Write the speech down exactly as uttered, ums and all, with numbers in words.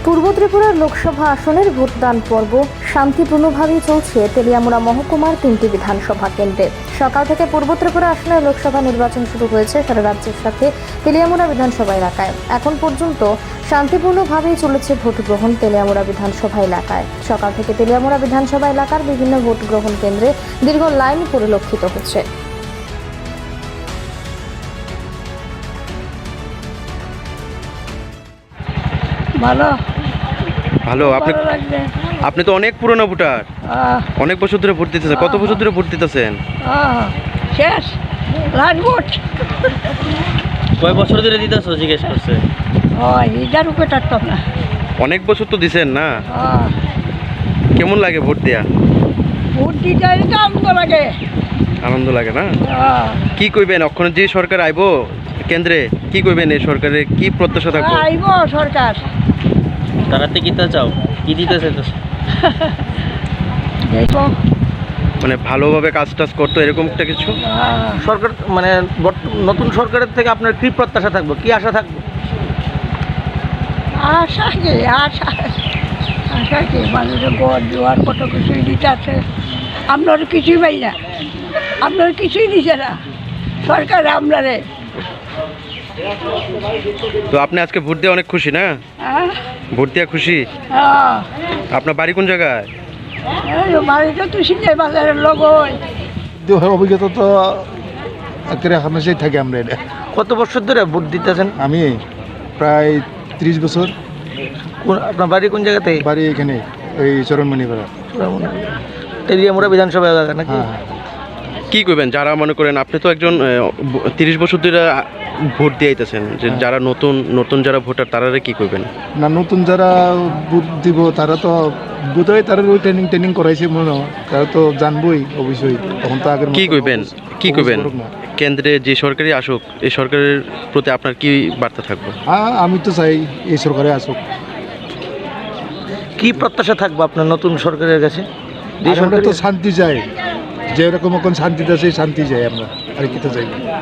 পূর্ব ত্রিপুরার লোকসভা আসনের ভোটদান পর্ব শান্তিপূর্ণভাবেই চলছে তেলিয়ামুড়া মহকুমার তিনটি বিধানসভা কেন্দ্রে। সকাল থেকে পূর্ব ত্রিপুরা আসনের লোকসভা নির্বাচন শুরু হয়েছে সারা রাজ্যের সাথে তেলিয়ামুড়া বিধানসভা এলাকায়। এখন পর্যন্ত শান্তিপূর্ণভাবেই চলেছে ভোট গ্রহণ তেলিয়ামুড়া বিধানসভা এলাকায়। সকাল থেকে তেলিয়ামুড়া বিধানসভা এলাকার বিভিন্ন ভোট গ্রহণ কেন্দ্রে দীর্ঘ লাইন পরিলক্ষিত হচ্ছে। ভালো ভালো। আপনি ভালো লাগছে। আপনি তো অনেক পুরনো ভোটার, আহ, অনেক বছর ধরে ভোট দিতেছেন। কত বছর ধরে ভোট দিতেছেন? আহ, শেষ লাস্ট ভোট। কয় বছর ধরে দিতেছ জিজ্ঞেস করছে? ও ইটার উপরে টাটতাম না। অনেক বছর তো দিছেন না, আহ, কেমন লাগে ভোট দেয়া? ভোট দিতে তো আনন্দ লাগে। আনন্দ লাগে না? আহ, কি কইবেন এখন যে সরকার আইব কেন্দ্রে, কি কইবেন এই সরকারের কি প্রত্যাশা থাকবে? আইব সরকার। তারাতে কিতা চাও, কি দিতে চাইতেছ? দেখো মানে ভালোভাবে কাজ টাজ করতো এরকম একটা কিছু। আহ, সরকার মানে বর্ত- নতুন সরকারের থেকে আপনার কি প্রত্যাশা থাকবে, কি আশা থাকবে? আশা কি আশা আশা কি মানুষের গড় জোয়ার কত কিছুই দিতে আছে। আপনার কিছুই পাই না, আপনার কিছুই দিছে না সরকার আপনারে। তো আপনি আজকে ভোট দিয়ে অনেক খুশি না? হ্যাঁ ভোট দিয়ে খুশি? হ্যাঁ, আপনার বাড়ি কোন জায়গায়? এই বাড়িটা তো সিনে বাজারের লোক হয়। অভিজ্ঞতা তো একেবারে হামেশাই থাকে আমরা এটা। কত বছর ধরে ভোট দিতেছেন? আমি প্রায় ত্রিশ বছর। কোন আপনার বাড়ি কোন জায়গাতে? বাড়ি এখানে এই চরণমণিপাড়া। তেলিয়ামুড়া বিধানসভা এলাকা নাকি? হ্যাঁ, কি কইবেন যারা মনে করেন আপনি তো একজন তিরিশ বছর ধরে ভোট দিয়ে আইতেছেন, যে হ্যাঁ। যারা নতুন নতুন যারা ভোটার তারা কি কইবেন? না নতুন যারা বুথ দিব তারা তো বুথ হয়, তারা ওই ট্রেনিং ট্রেনিং করাইছে মনে হয়, তারা তো জানবই অবশ্যই। তখন তো আগের মতো কি কইবেন কি অবুঝ কইবেন করুক না। কেন্দ্রে যে সরকারি আসুক, এই সরকারের প্রতি আপনার কি বার্তা থাকবে? হ্যাঁ, আমি তো চাই এই সরকারে আসুক। কি প্রত্যাশা থাকবে আপনার নতুন সরকারের কাছে? যে আর আমরা তো সরকারের শান্তি চাই, যেরকম এখন শান্তিতে আছে শান্তি চাই আমরা, আর কি তো চাই।